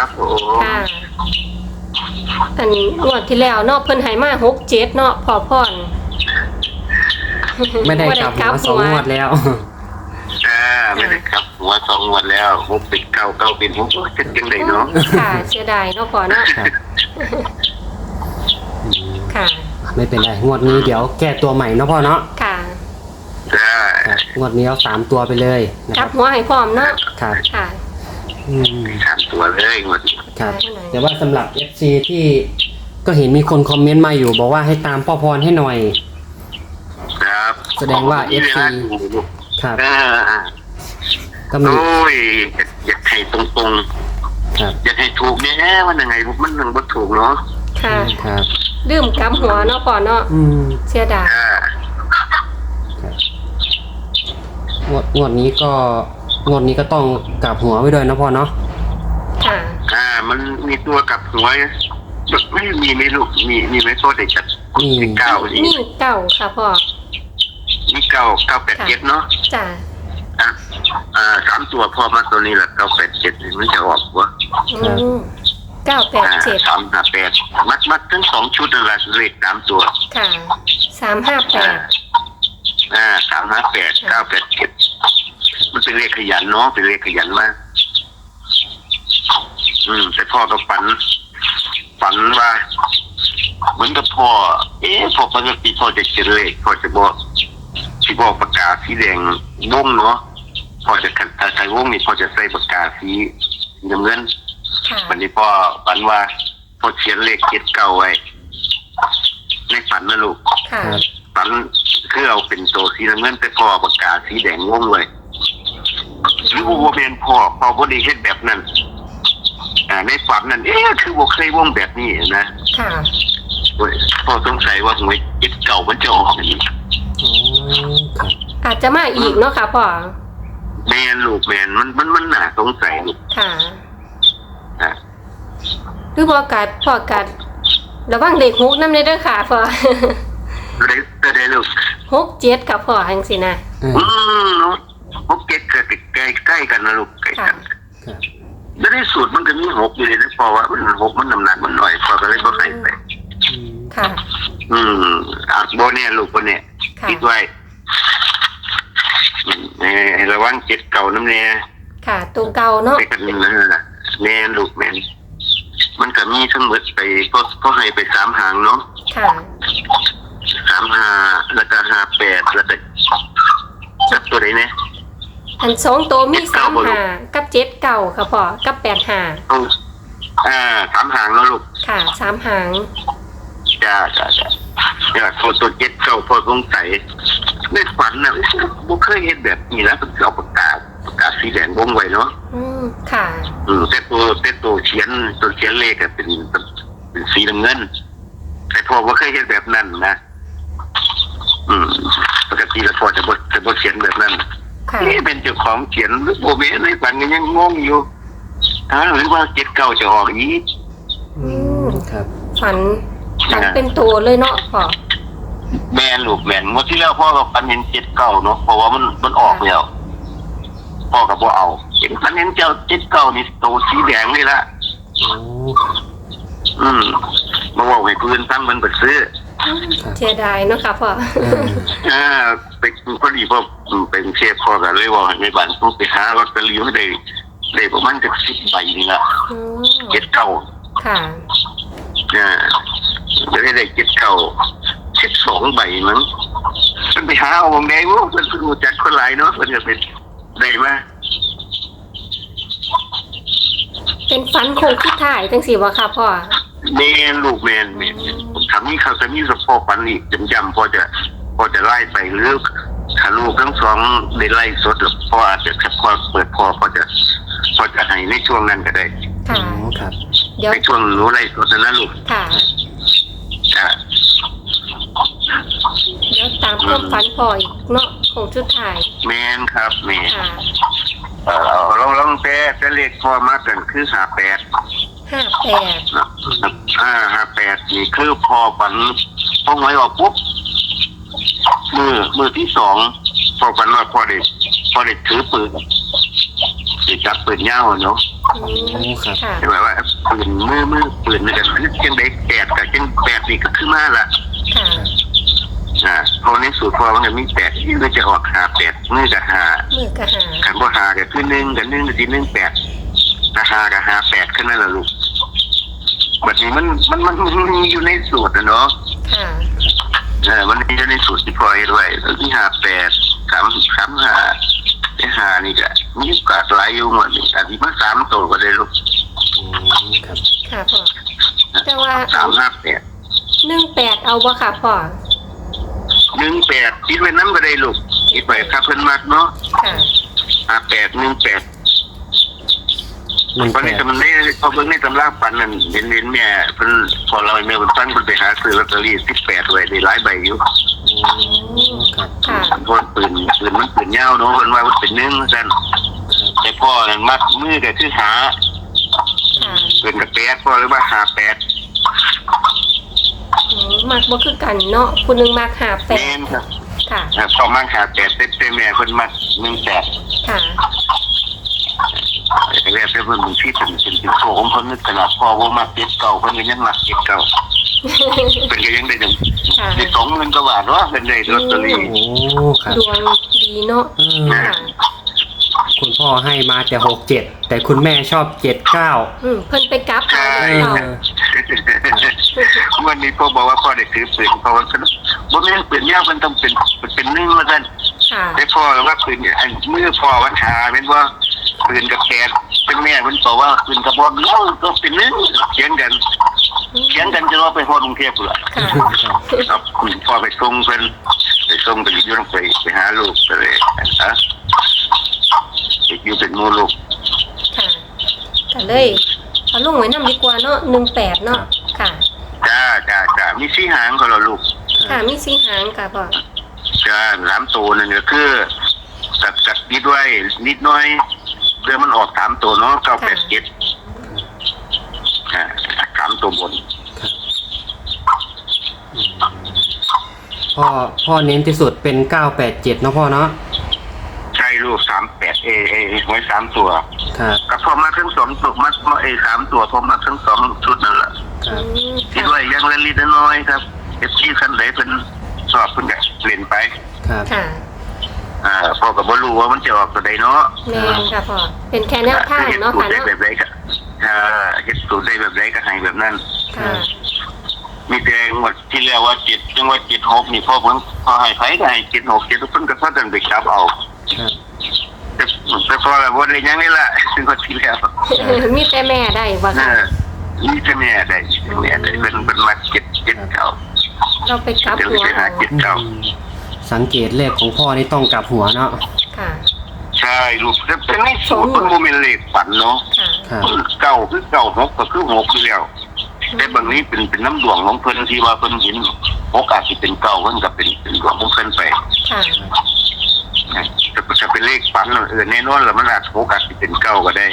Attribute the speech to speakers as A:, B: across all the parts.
A: ครับผม
B: ค่ะอันงวดที่แล้วเนาะเพิ่นให้มา6-7เนาะพอพร
C: ไม่ได้กลับหัว2 งวดแล้ว
A: ไม่ได้ครับหัว2 งวดแล้ว6เป็น9 9เป็น6จะจังไดเนาะ
B: ค่ะเสียดายเนาะพ่อเนาะ
C: ครับอืม
B: ค่ะ
C: ไม่เป็นไรงวดนี้เดี๋ยวแก้ตัวใหม่เนาะพ่อเนาะ
B: ค่ะ
A: จ้า
C: ครับงวดนี้เอา3 ตัวไปเลยนะ
B: ก
C: ค
B: ลั
C: รั
B: บบ หัวให้พร้อมเนาะ
C: ครับ
B: ค่ะ
C: อืม
A: 3 ตัวเลยงวดนี้
C: ครับ
B: ได้ไหม
C: แต่ว่าสำหรับ FC ที่ก็เห็นมีคนคอมเมนต์มาอยู่บอกว่าให้ตามพ่อพรให้หน่อย
A: ครับ
C: แสดงว่า FC ครับ ก็มี
A: โอ้ยอยากให้ตรง
C: ครับ
A: ๆอยากให้ถูกแน่มันยังไงมันยังบ่ถูกเนาะ
B: ค่ะ
C: ครับ
B: ดื่มกลับหัวเนาะพ่อเนาะ
C: อืม
B: เสียดาย
C: งวดนี้ก็ต้องกลับหัวไว้ด้วยนะพ่อเนาะ
B: ค่ะ
A: มันมีตัวกับหัวไม่มีไม่ลูกมีไหมโทษเด็กจัดมีเก้านี่
B: นี่เก่าค่ะพ่อ
A: มี9 8 7เนาะ
B: จ้ะ
A: 3 ตัวพอมาตัวนี้แหละ9 8 7มันจะออกวะ
B: อืม987
A: 3 5 8มัดทั้ง2 ชุดนั่นแหละเลข3 ตัว
B: ค่ะ358
A: 3 5 8 9 8 7มันเป็นเลขขยันเนาะเป็นเลขขยันมากแต่พ่อก็ฝันว่าเหมือนกับพ่อพอปกติพ่อจะเขียนเลขพ่อจะบอกปากกาสีแดงวงเนาะพ่อจะใส่วงนี่พ่อจะใส่ปากกาสีน้ำเงิน
B: ค่ะ
A: วันนี้พ่อฝันว่าพ่อเขียนเลข79ไว้ในฝันนะลูก
B: ค่ะ
C: ครับ
A: ฝันคือเอาเป็นโตสีน้ำเงินแต่พ่อปากกาสีแดงวงเลยหรือว่าเป็นพ่อบ่ได้เฮ็ดแบบนั้นในฝันนั้นคือบ่เคยวงแบบนี้นะ
B: ค่ะ
A: พ่อสงสัยว่าหวย79มันจะออกอีก
C: อ๋อครับ
B: อาจจะมาอีกเนาะค่ะพ่อ
A: แม่นลูกแม่นมันน่าสงสัยลูก
B: ค่ะ
A: อ่ะ
B: หรือพ่อกัดระวังเด็ก6นำเด้อค่ะพ่อ
A: ได้ลูก
B: 6-7กับพ่อจังซี่นะ
A: พวกเก็ตใกล้กันนะลูกใกล้
B: ค่ะ
A: กัน
C: ครับ
A: แล้วในสูตรมันก็มี6อยู่เลยนะเพราะว่ามัน6มันน้ำหนักมันหน่อยพอก็เลยบ่ให้ไป
C: อืม
B: ค่ะ
A: โบเนี่ยลูกโบเนี่ย
B: ค่ะ
A: คิดไว้ระวังเจ็ดเก่าน้ำเนี่ย
B: ค่ะตัวเก่าเนาะ
A: ไปกันนะแม่ลูกแม่มันก็มีทั้งหมดไปก็ให้ไป3 หางเนาะ
B: ค่ะ
A: 3 5แล้วก็58แล้วก็จับตัวไหนเนี่ย
B: อัน2ตัวมี35กับ7เก่าค่ะพ่อกับ85
A: 3 หางแล้วลูก
B: ค่ะ3หาง
A: จ้าเนี่ยตัวเจ็ดเก่าพอสงสัยในฝันนะบุเคยเห็นแบบนี้แล้วเป็นเอาปากกาสีแดงวงไว้เนาะ
B: ค่ะ
A: แต่ตัวเขียนเลขเป็นสีน้ำเงินแต่พอว่าเคยเห็นแบบนั้นนะปกติแล้วพอจะบ่เขียนแบบนั้น
B: ค่ะ
A: นี่เป็นเจ้าของเขียนหรือโบเมในฝันก็ยังงงอยู่หรือว่าเจ็ดเก่าจะออกอีก
C: ครับ
B: ฝันเป็นตัวเลยเนาะพ่อ
A: แมนลูกแมนเมื่อที่แล้วพ่อกับฝันเห็นเจ็ดเก่าเนาะเพราะว่ามันออกแล้วพ่อกับบ่เอาเห็นฝันเห็นเจ้าเจ็ดเก่านี่ตัวสีแดงเลยละ
C: อ๋อ
A: มาบอกให้เพื่อนตั้งมันไปซื้อ
B: เสียดายเนาะค่ะพ่อ
A: เป็นพอดีพ่อเป็นเชฟพ่อกันเลยว่าในบ้านต้องไปหาลอตเตอรี่ให้ได้ประมาณจะ10 ใบนี่ละเจ็ดเก่า
B: ค่ะ
A: จะได้เจ็ดเก่า12 ใบมั้งมันไปหาเอาบางแดงว่ามันรู้จักคนหลายเนาะมันจะเป็นได้มา
B: เป็นฝันโคงที่ถ่ายจังสิวะค่ะพ่อ
A: แม่ลูกแม่ผมทำนี่เขาจะมีสปอปันอีกจำพอจะไล่ไปหรือถ้าลูกทั้งสองได้ไล่สดหรือพ่ออาจจะพอเปิดพอจะให้ในช่วงนั้นก็ได้
B: ค่ะ
C: อ๋อครับ
B: เดี๋ยว
A: ในช่วงหนูไล่สดนะลูก
B: ค่ะ
A: จ้ะ
B: เดี๋ยวตามความฝันพ่ออีกเนาะโคงชุดถ่าย
A: แม่นครับแม่
B: ค่ะ
A: ลองแต่เลขพอมากันคือ58 58นี่คือพอฝันพอหวยออกปุ๊บมือที่2พอฝันว่าพอได้ถือปืนจับปืนยาวเนาะ
B: อืมค่ะ
A: หมายว่าปืนมือปืนนี่กันจังได้แปดกับจังแปดนี่ก็ขึ้นมาละ
B: ค่ะ
A: เพราะในสูตรพอมันก็มีแปดที่มันจะออกหาแปดมือกับหา
B: มือกะหา
A: ขันบ่หากับขึ้นหนึ่งกับหนึ่งกับที่หนึ่งแปดแต่หากับหาแปดขึ้นนั่นแหละลูกแบบนี้มันมีอยู่ในสูตรนะเนาะ
B: ค่ะ
A: มันมีอยู่ในสูตรที่พอให้ด้วยแล้วที่หาแปดสามหาไอ้หานี่ก็มีโอกาสหลายอยู่หมดนี่อาจจะมา3 ตัวก็ได้ลูก
C: ครับ
B: ค่ะพ่อแต่ว่า
A: 358
B: 18เอาบ่ค่ะพ่อ
A: 18คิดไว้น้ำก็ได้ลูกคิดไว้ถ้าเพิ่นมักเนาะ
B: ค่ะ
A: 18เพราะนี่
C: 18
A: มันได้พอเบิ่งในตำราปันนั่นเห็นแม่เพิ่นพอเราแม่เพิ่นตั้งเพิ่นไปหาซื้อลอตเตอรี่18ไว้ได้หลายใบอยู่
C: ครับ
B: ค่ะ
A: เพราะปืนมันปืนยาวเนาะเพิ่นว่ามันเป็น1ซั่นแต่พ่อนั่นมัดมือก็คือหา
B: ค่ะ
A: ปืนกับแปดพ่อหรือว่า58
B: มักบ่คือกันเนาะผู้หนึงมัก
A: แม่นครับ
B: 58ค่ะ
A: พอมัก58แต่แม่เพิ่นมัก18
B: ค่ะ
A: แต่แรกเพิ่นที่เป็นโซ่ของเพิ่นนึกขนาดพ่อว่ามัก7 เก่าเพิ่นก็ยังมัก7 เก่าเป็นก็ยังได้จัง
B: ค่ะ
A: ได้20,000กว่าบาทว่าเป็นได้ลอตเตอรี่
C: โอ้ครับ
B: ดวงดีเนาะค่ะ
C: คุณพ่อให้มาแต่67แต่คุณแม่ชอบ79
B: เพิ่นไปกลับเอา
C: เอ
B: เนาะ
C: อ
A: วันนี้พ่อบอกว่าพ่อได้ถือปืนเพราะว่าบ่แม่นปืนยาวมันต้องเป็น1ว่าซั่น
B: ค่ะ
A: แต่พ่อว่าปืนอันมือพ่อว่าหาเป็นว่าปืนกับแขนเป็นแม่เพิ่นบอกว่าปืนกระบอกเดียวก็เป็น1เถียงกันจะว่าไปฮอดกรุงเทพพุ่นล่ะ
B: ค่ะ
A: ครับพ่อไปส่งเพิ่นไปส่งไปอยู่นำไปหาลูกก็เลยอยู่เป็นหมู่ลูก
B: ค่ะก็เลยเอาลงไว้นำดีกว่าเนาะ18เนาะค่ะ
A: จ้ามี4 หางก็แล้วลูก
B: ค่ะมี4หางค่ะพ่อ
A: จ้า3 ตัวนั่นก็คือตัดนิดไว้นิดหน่อยเพื่อมันออก3 ตัวเนาะ9873 ตัวบน
C: พ่อเน้นที่สุดเป็น987เนาะพ่อเนาะ
A: ใช่ลูก38ไว้3 ตัว
C: ครับ
A: ก็พอมาทั้ง2 ตัวมา3 ตัวพอมาทั้ง2 ชุดนั่นแหละ
C: ครับ
A: คิดว่ายังเล็กๆน้อยๆครับที่คันไหนเป็นสอบเพิ่นก็เล่นไป
C: ครับ
B: ค่ะ
A: พ่อก็บ่รู้ว่ามันจะออกตัวใดเนาะ
B: แม่นค่ะพ่อเป็นแค่แนวทางเนาะค่ะ
A: ได้
B: เนาะ
A: แบบใดก็เฮ็ดสูตรได้แบบใดก็ให้แบบนั้น
B: ค่ะ
A: มีแต่งวดที่แล้วว่า7จังหวัด76นี่พ่อให้ไผก็ให้76ทุกคนก็พากันไปจับเอา
C: ครับ
A: แต่พอแล้วบ่ได้หยังนี่ล่ะซึ่งว่าที่แล้ว
B: มีแต่แม่ได้บ่ค่ะ
A: นี่จะแม่ได้เป็นมา7 เก่า
B: เราไปกลับ
A: เดี๋ยว
B: หัว
A: ไปหา
B: เอา
A: 7 เก่า
C: สังเกตเลขของพ่อนี่ต้องกลับหัวเนาะ
B: ค่ะ
A: ใช่ลูกแต่ในสูตรมันบ่แม่นเลขฝันเนาะ
B: ค่ะ
C: ครับ
A: เก่าคือเก่า6ก็คือ6อยู่แล้วแต่บางนี้เป็นน้ำดวงของเพิ่นที่ว่าเพิ่นเห็นโอกาสที่เป็นเก่าเพิ่นก็เป็นดวงของเพิ่นไป
B: ค่ะ
A: แต่จะเป็นเลขฝันแน่นอนแล้วมันอาจโอกาสที่เป็นเก่าก็ได้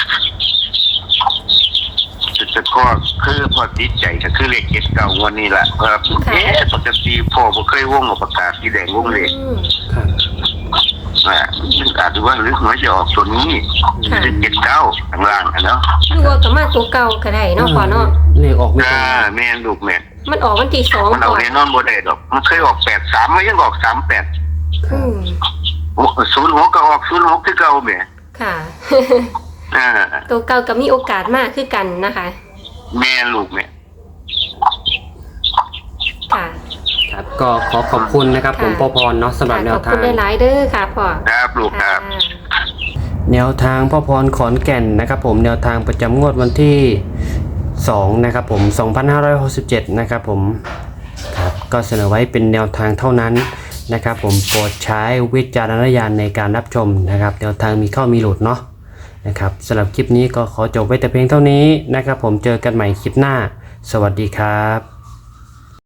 A: แต่ก็คือพอติดใจก็คือเลข7 เก่าวันนี้ล่ะปกติพ่อบ่เคยวงออกประกาศสีแดงวงเลข
C: ครับ
A: อาจจะว่าหรือหวยจะออกตัวนี้เป็น7 เก่าข้างล่างเนาะ
B: หรือว่าก็มาตัวเก่าก็ได้เนาะพ่อเนาะ
C: เลขออกไม่ตรง
A: แม่นลูกแม่น
B: มันออกวันที่2
A: มันเอา
B: ก่อน
A: แน่นอนบ่ได้ดอกมันเคยออก83มันยังออก38
B: อืม
A: 06ก็ออก06คือเก่าแม่
B: ค่ะ
A: อ่า
B: ตัวเก่าก็มีโอกาสมากคือกันนะคะ
A: แม่ลูกแม่
B: ค่ะ
C: ครับก็ขอบคุณนะครับผมพ่อพรเนาะสำหรับแน
B: ข
C: ว
B: อบ
C: ทา
B: คุ
C: ง
B: ณหลายๆเด้อค่ะพ่อ
A: ครับลูกครับ
C: แนวทางพ่อพรขอนแก่นนะครับผมแนวทางประจำงวดวันที่2นะครับผม2567นะครับผมครับก็เสนอไว้เป็นแนวทางเท่านั้นนะครับผมโปรดใช้วิจารณญาณในการรับชมนะครับแนวทางมีเข้ามีหลุดเนาะนะครับสำหรับคลิปนี้ก็ขอจบไว้แต่เพียงเท่านี้นะครับผมเจอกันใหม่คลิปหน้าสวัสดีครับ